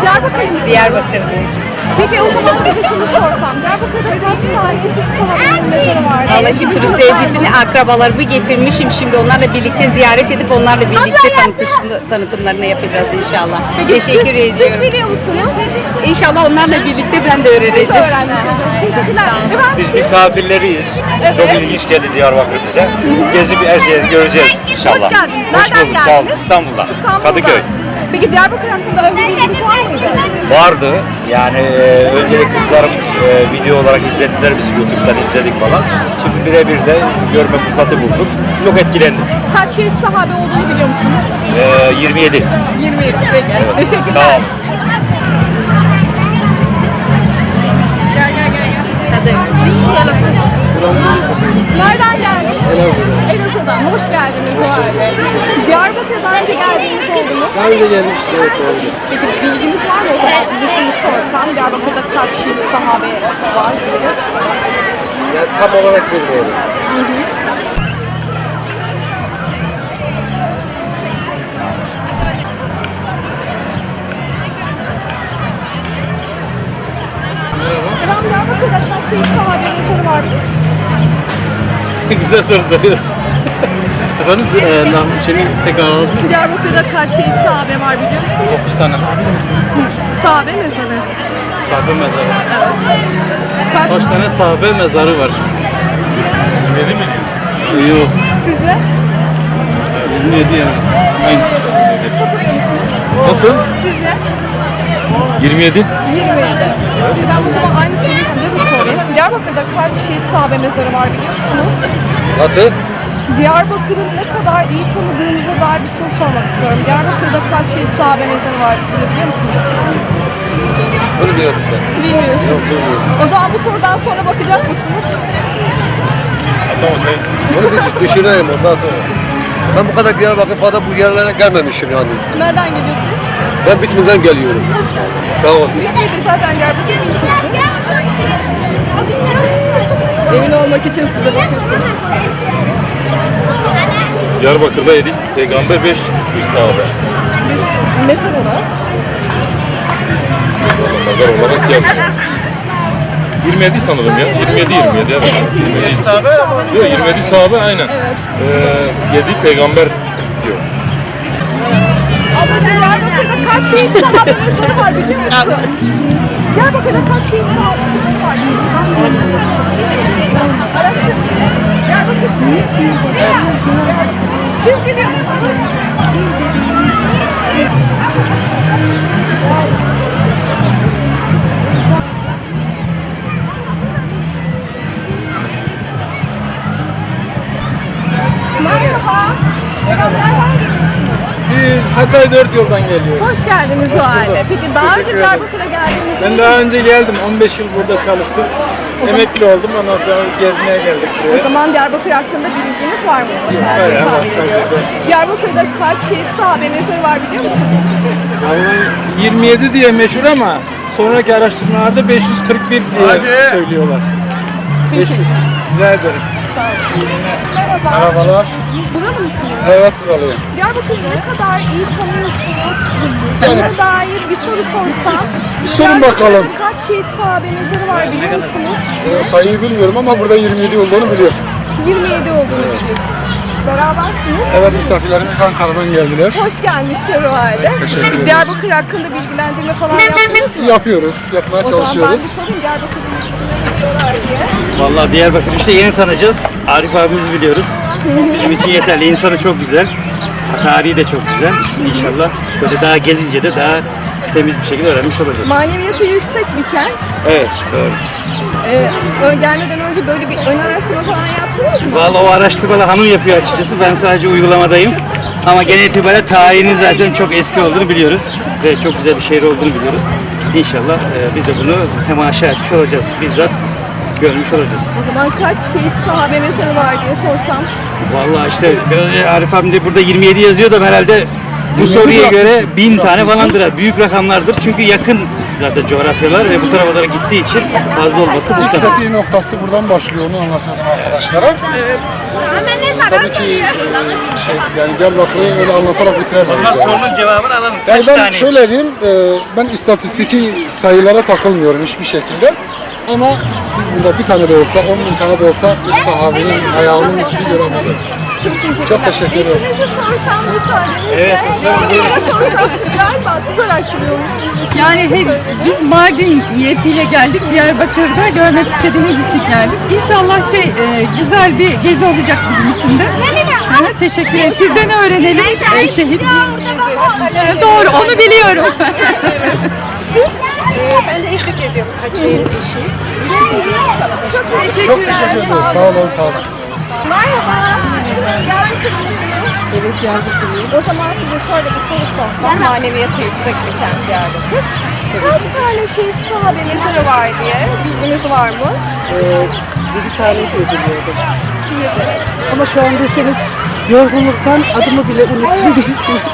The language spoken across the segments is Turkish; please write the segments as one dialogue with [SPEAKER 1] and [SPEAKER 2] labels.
[SPEAKER 1] Diyarbakır'da.
[SPEAKER 2] Diyarbakır'dayım.
[SPEAKER 1] Peki o zaman size şunu sorsam. Diyarbakır'da kaç tane eşit sahabenin mezarı var?
[SPEAKER 2] Valla şimdi turistleri bütün akrabalarımı getirmişim. Şimdi onlarla birlikte ziyaret edip onlarla birlikte tanıtımlarını yapacağız inşallah. Teşekkür ediyorum.
[SPEAKER 1] Siz biliyor musunuz?
[SPEAKER 2] İnşallah onlarla birlikte ben de öğreneceğim.
[SPEAKER 1] Teşekkürler.
[SPEAKER 3] Biz misafirleriyiz. Çok ilginç geldi Diyarbakır bize. Gezip her şeyi göreceğiz inşallah.
[SPEAKER 1] Hoş geldiniz.
[SPEAKER 3] Hoş
[SPEAKER 1] Nereden
[SPEAKER 3] bulduk. Sağ olun.
[SPEAKER 1] geldiniz?
[SPEAKER 3] İstanbul'dan.
[SPEAKER 1] İstanbul'dan.
[SPEAKER 3] Kadıköy.
[SPEAKER 1] Peki Diyarbakır hakkında özel bilginiz var mıydı?
[SPEAKER 3] Vardı. Yani önce kızlarım video olarak izlettiler bizi, YouTube'dan izledik falan. Şimdi birebir de görme fırsatı bulduk. Çok etkilendik.
[SPEAKER 1] Kaç şehit sahabe olduğunu biliyor musunuz?
[SPEAKER 3] 27.
[SPEAKER 1] 27. Peki. Teşekkürler.
[SPEAKER 3] Sağ ol.
[SPEAKER 1] Gel. Nereden geldiniz? Elazığ'dan. Hoş geldiniz bu halde. Diyarbakır'a daha önce geldiğiniz oldu mu?
[SPEAKER 4] Daha önce gelmiştik, evet, oldu.
[SPEAKER 1] Peki bilginiz var mı o zaman? Size şunu sorsam. Diyarbakır'da kaç şehit sahabe var?
[SPEAKER 4] Yani tam olarak bilmiyorum.
[SPEAKER 1] Efendim Diyarbakır'da kaç şehit sahabe mezarı var biliyor musunuz?
[SPEAKER 5] Güzel soru soruyorsun. Efendim, tekrar alalım.
[SPEAKER 1] Diyarbakır'da kaç şehit sahabe var biliyor musunuz?
[SPEAKER 5] 9 tane.
[SPEAKER 1] Sahabe mezarı.
[SPEAKER 5] Sahabe mezarı.
[SPEAKER 1] Kaç?
[SPEAKER 5] Kaç tane sahabe mezarı var? Dedi mi? Yok.
[SPEAKER 1] Sizce?
[SPEAKER 5] 27 yani. Aynı.
[SPEAKER 1] Siz katılıyor musunuz?
[SPEAKER 5] Nasıl?
[SPEAKER 1] Sizce?
[SPEAKER 5] 27.
[SPEAKER 1] 27. Ben o zaman aynı soruyu size de sorayım. Diyarbakır'da kaç şehit sahabe mezarı var biliyor musunuz?
[SPEAKER 4] Nasıl?
[SPEAKER 1] Diyarbakır'ın ne kadar iyi tanıdığınıza dair bir soru sormak istiyorum. Diyarbakır'da kaç şehit sahabe mezarı var biliyor musunuz?
[SPEAKER 4] Bilmiyorum ben.
[SPEAKER 1] Bilmiyorsunuz. O zaman bu sorudan sonra bakacak mısınız?
[SPEAKER 4] Bunu bir düşüneyim ondan sonra. Ben bu kadar Diyarbakır falan bu yerlere gelmemişim yani.
[SPEAKER 1] Nereden geliyorsunuz?
[SPEAKER 4] Ben Bitlis'ten geliyorum. Sağ ol.
[SPEAKER 1] Biz de zaten Diyarbakır ilçesi. Emin olmak için size bakıyorsunuz.
[SPEAKER 6] Diyarbakır'da yedik. Peygamber 541 sahabe.
[SPEAKER 1] Mezar olarak.
[SPEAKER 6] Nazar olarak yazmıyor. 27 sanırım ya. 27 ya. 27 sahabe ama. Yok 27 sahabe aynen.
[SPEAKER 1] Evet.
[SPEAKER 6] 7 peygamber diyor.
[SPEAKER 1] Abla Diyarbakır'da kaç şehit sahabe mezarı var biliyor musun? Diyarbakır'da kaç şehit sahabe mezarı var biliyor musun? Araştır. Diyarbakır. Siz biliyor musunuz? Merhaba. Nereden geliyorsunuz?
[SPEAKER 7] Biz Hatay 4 yoldan geliyoruz.
[SPEAKER 1] Hoş geldiniz o halde. Peki daha önce
[SPEAKER 7] Teşekkür ederiz.
[SPEAKER 1] Diyarbakır'a geldiniz mi?
[SPEAKER 7] Ben daha önce geldim. 15 yıl burada çalıştım. Emekli oldum. Ondan sonra gezmeye geldik
[SPEAKER 1] O
[SPEAKER 7] buraya.
[SPEAKER 1] zaman Diyarbakır hakkında bir bilginiz var mı?
[SPEAKER 7] bayağı var,
[SPEAKER 1] Tahmin ediyorum.
[SPEAKER 7] tabii.
[SPEAKER 1] Diyarbakır'da kaç şehit sahabe mezarı var biliyor musunuz?
[SPEAKER 7] Vallahi 27 diye meşhur ama sonraki araştırmalarda 541 diye söylüyorlar. 500. Rica ederim.
[SPEAKER 1] Merhaba.
[SPEAKER 4] Merhabalar.
[SPEAKER 1] Buralı mısınız?
[SPEAKER 4] Evet, buralıyım.
[SPEAKER 1] Diyarbakır'ı ne kadar iyi tanıyorsunuz?
[SPEAKER 4] Yani-
[SPEAKER 1] Buna dair bir soru sorsam.
[SPEAKER 4] Bir sorun
[SPEAKER 1] Diyarbakır'da
[SPEAKER 4] bakalım.
[SPEAKER 1] kaç şehit sahabe mezarı var biliyor musunuz?
[SPEAKER 4] Sayıyı bilmiyorum ama burada 27 olduğunu biliyorum.
[SPEAKER 1] 27 olduğunu biliyorsunuz. Berabersiniz.
[SPEAKER 4] Evet, misafirlerimiz Ankara'dan geldiler.
[SPEAKER 1] Hoş gelmişler o halde.
[SPEAKER 4] Teşekkür ederim.
[SPEAKER 1] Diyarbakır hakkında bilgilendirme falan yaptınız mı?
[SPEAKER 4] Yapıyoruz, yapmaya
[SPEAKER 1] O zaman ben
[SPEAKER 4] çalışıyoruz.
[SPEAKER 1] bir sorayım Diyarbakır'da ne diyorlar diye.
[SPEAKER 5] Vallahi Diyarbakır işte yeni tanıyacağız. Arif abimizi biliyoruz. Bizim için yeterli. İnsanı çok güzel. Tarihi de çok güzel. İnşallah böyle daha gezince de daha temiz bir şekilde öğrenmiş olacağız.
[SPEAKER 1] Maneviyatı yüksek bir kent.
[SPEAKER 5] Evet, doğru.
[SPEAKER 1] Gelmeden önce böyle bir ön araştırma falan yaptınız mı?
[SPEAKER 5] Vallahi o araştırmaları hanım yapıyor açıkçası. Ben sadece uygulamadayım. Ama genel itibariyle tarihinin zaten çok eski olduğunu biliyoruz. Ve çok güzel bir şehir olduğunu biliyoruz. İnşallah biz de bunu temaşa etmiş olacağız. Bizzat görmüş olacağız.
[SPEAKER 1] O zaman kaç şehit sahabe mezarı var diye sorsam.
[SPEAKER 5] Vallahi işte biraz önce Arif abim de burada 27 yazıyor da herhalde bu soruya göre 1000 tane falandır. Büyük rakamlardır çünkü yakın zaten coğrafyalar ve bu tarafa doğru gittiği için fazla olması muhtemel.
[SPEAKER 4] Fetih noktası buradan başlıyor, onu anlatıyorum arkadaşlara.
[SPEAKER 1] Evet.
[SPEAKER 8] tabii ki yani Diyarbakır'ı öyle anlatarak bitiremeyiz.
[SPEAKER 5] Ondan
[SPEAKER 8] Yani.
[SPEAKER 5] sorunun cevabını alalım.
[SPEAKER 8] Yani
[SPEAKER 5] Kaç
[SPEAKER 8] ben
[SPEAKER 5] tane?
[SPEAKER 8] şöyle diyeyim, ben istatistiki sayılara takılmıyorum hiçbir şekilde. Ama biz burada bir tane de olsa, 10.000 tane de olsa bir sahabenin ayağının izi görebiliriz. Çok teşekkür ederim.
[SPEAKER 1] Eşinize sorsam müsaadenizle.
[SPEAKER 5] Evet,
[SPEAKER 1] Sorsam galiba siz araştırıyormuşsunuz.
[SPEAKER 9] Yani biz Mardin niyetiyle geldik. Diyarbakır'da görmek istediğimiz için geldik. İnşallah güzel bir gezi olacak bizim için de. Teşekkür ederim. Sizden öğrenelim şehit. Doğru, onu biliyorum.
[SPEAKER 1] Ben de eşlik ediyorum. Hacı'nın eşi.
[SPEAKER 8] Çok teşekkür ederiz. Sağ olun, sağ olun.
[SPEAKER 1] Merhaba. Diyarbakır'lısınız.
[SPEAKER 10] Evet, Diyarbakır'lıyım.
[SPEAKER 1] O zaman size şöyle bir soru sorsam. Maneviyatı yüksek bir kent Diyarbakır. Kaç tane şehit sahabe mezarı var diye bilginiz var mı?
[SPEAKER 10] 7 tane diye biliyordum. Ama şu an deseniz yorgunluktan adımı bile unuttum diye.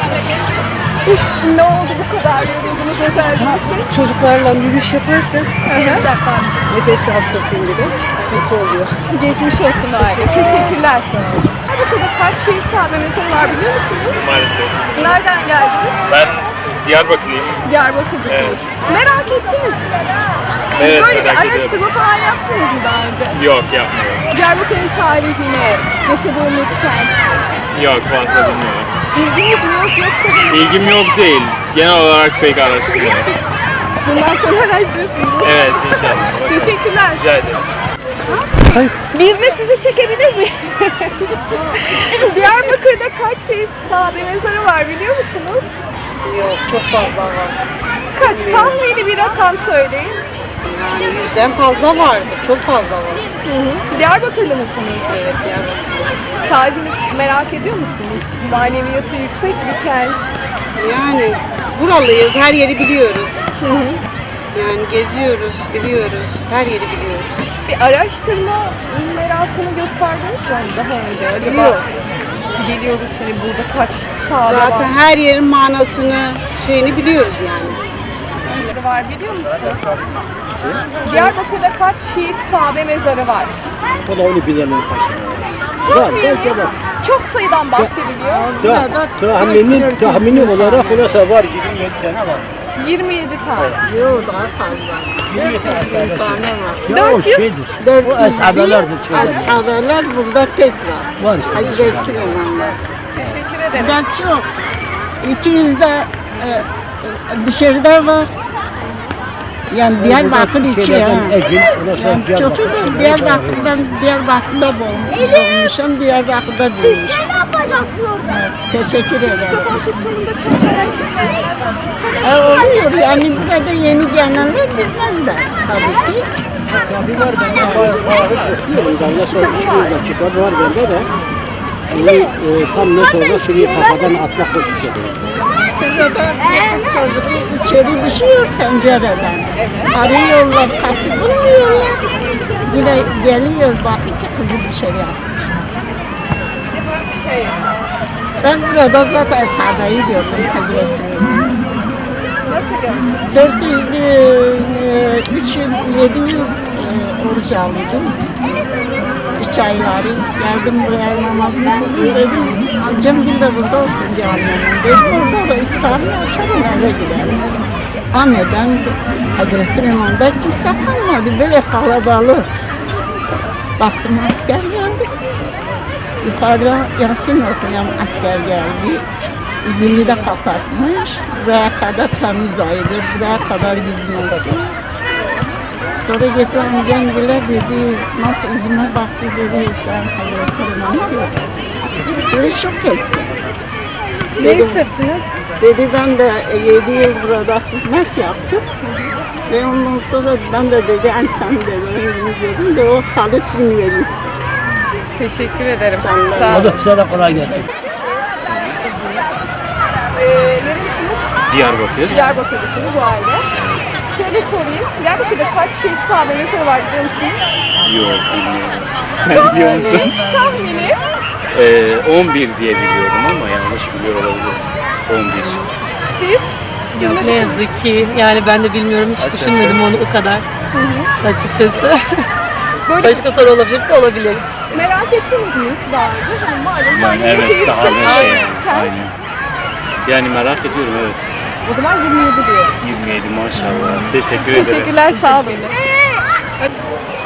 [SPEAKER 1] Ne oldu bu kadar yoruldunuz özellikle?
[SPEAKER 10] Çocuklarla yürüyüş yaparken nefesli hastasıyım bir de. Sıkıntı oluyor.
[SPEAKER 1] Geçmiş olsun aile. Teşekkürler. Diyarbakır'da kaç şehit sahabe mezarı var biliyor musunuz?
[SPEAKER 11] Maalesef.
[SPEAKER 1] Nereden geldiniz?
[SPEAKER 11] Ben Diyarbakırlıyım.
[SPEAKER 1] Diyarbakır'dasınız. Merak ettiniz mi?
[SPEAKER 11] Evet,
[SPEAKER 1] Böyle bir
[SPEAKER 11] merak ediyorum.
[SPEAKER 1] araştırma falan yaptınız mı daha önce?
[SPEAKER 11] Yok, yapmıyorum.
[SPEAKER 1] Diyarbakır'ın tarihine, yaşadığımız kent.
[SPEAKER 11] Yok, fazla bilmiyorum.
[SPEAKER 1] Bilginiz mi yok yoksa bir...
[SPEAKER 11] İlgim yok değil. Genel olarak pek araştırmıyorum.
[SPEAKER 1] Bundan sonra araştırırsınız.
[SPEAKER 11] Evet, inşallah. Bakalım.
[SPEAKER 1] Teşekkürler.
[SPEAKER 11] Rica ederim.
[SPEAKER 1] Biz de sizi çekebilir miyiz? Diyarbakır'da kaç şehit sahabe mezarı var biliyor musunuz?
[SPEAKER 10] Yok, çok fazla var.
[SPEAKER 1] Kaç? Tahmini bir rakam söyleyin.
[SPEAKER 10] Yani 100'den fazla vardı. Çok fazla var.
[SPEAKER 1] Diyarbakırlı mısınız?
[SPEAKER 10] Evet, Diyarbakır.
[SPEAKER 1] Tarihini merak ediyor musunuz? Maneviyatı yüksek bir kent.
[SPEAKER 10] Yani buralıyız, her yeri biliyoruz. Yani geziyoruz, biliyoruz, her yeri biliyoruz.
[SPEAKER 1] Bir araştırma merakını gösterdiniz mi daha önce? Acaba
[SPEAKER 10] Yok.
[SPEAKER 1] geliyoruz hani burada kaç sahabe
[SPEAKER 10] Zaten her yerin manasını, şeyini biliyoruz yani.
[SPEAKER 1] var biliyor musun? Diyarbakır'da kaç şehit sahabe mezarı var?
[SPEAKER 7] Valla onu bilemem kaç tane.
[SPEAKER 1] Çok sayıdan bahsediliyor.
[SPEAKER 7] Tahmini olarak olursa var 27 tane var.
[SPEAKER 1] 27 tane.
[SPEAKER 10] Yok, daha fazla.
[SPEAKER 7] 27 tane
[SPEAKER 10] tane var.
[SPEAKER 1] 400.
[SPEAKER 7] O ashabelerdir.
[SPEAKER 10] Ashabeler burada tek var.
[SPEAKER 7] Var işte.
[SPEAKER 10] Hazreti Süleymanlar.
[SPEAKER 1] Teşekkür ederim.
[SPEAKER 10] Burada çok. 200 de dışarıda var. Yani Diyarbakır içi ya. Yani çok iyi. Diyarbakır'da doğmuşum. Diyarbakır'da büyümüşüm.
[SPEAKER 1] Ne yapacaksın orada?
[SPEAKER 10] Teşekkür ederim.
[SPEAKER 1] Tuttuğumda çok merak ettim.
[SPEAKER 10] Oluyor yani burada yeni gelenler bilmezler tabii ki.
[SPEAKER 7] Tabii var bende bayağı okuyorum. Sonra 2 yılda kitabı var bende de. Tam net olarak şurayı kafadan atmak yok bir şey değil.
[SPEAKER 10] Kız çocuğu içeri düşüyor pencereden. Arıyorlar, kapı bulmuyorlar. Yine geliyor bakıyor ki kızı dışarı atmış. Ben burada zaten sahabeyi gördüm Hazreti Süleyman.
[SPEAKER 1] Nasıl gördün?
[SPEAKER 10] 3 yıl, 7 yıl oruç aldım. 3 ayları geldim buraya namazımı kıldım dedim. Amcam bir de burada oturdu annemin. Dedim orada da iftarını açarım eve giderim. Anneden Hazreti Süleyman'da kimse kalmadı. Böyle kalabalık. Baktım asker geldi. Yukarıda Yasin okuyan asker geldi. Yüzünü de kapatmış. Buraya kadar temiz aydı. Buraya kadar gizlensin. Sonra gitti amcam bile dedi, nasıl yüzüme baktı dedi, sen Hazreti Süleyman'ı gördün. Böyle şok etti.
[SPEAKER 1] Ne hissettiniz?
[SPEAKER 10] Dedi ben de 7 yıl burada hizmet yaptım. Ve ondan sonra ben de dedi, sen dedi, gördüm de o Halit Binveli.
[SPEAKER 1] Teşekkür ederim.
[SPEAKER 10] Sağ
[SPEAKER 1] olun.
[SPEAKER 7] Size de kolay gelsin.
[SPEAKER 1] Nerelisiniz?
[SPEAKER 11] Diyarbakır.
[SPEAKER 1] Diyarbakır'dasınız bu aile. Şöyle sorayım. Diyarbakır'da kaç şehit sahabe mezarı var biliyor musunuz?
[SPEAKER 11] Yok, bilmiyorum.
[SPEAKER 7] Sen biliyor musun?
[SPEAKER 1] Tahmini.
[SPEAKER 11] 11 diye biliyorum ama yanlış biliyor olabilirim. 11.
[SPEAKER 1] Siz?
[SPEAKER 9] Yok, ne yazık ki. Yani ben de bilmiyorum. Hiç düşünmedim onu o kadar. Açıkçası.
[SPEAKER 1] Böyle
[SPEAKER 9] Başka soru olabilirse olabilir.
[SPEAKER 1] Merak ettiniz mi hiç daha önce? Hani malum
[SPEAKER 11] Yani
[SPEAKER 1] Mardin
[SPEAKER 11] evet,
[SPEAKER 1] yetişse
[SPEAKER 11] sahabe şey.
[SPEAKER 1] kent.
[SPEAKER 11] Aynen. Yani merak ediyorum, evet.
[SPEAKER 1] O zaman 27 diyorum.
[SPEAKER 11] 27 maşallah. Teşekkür ederim.
[SPEAKER 1] Teşekkürler, sağ olun.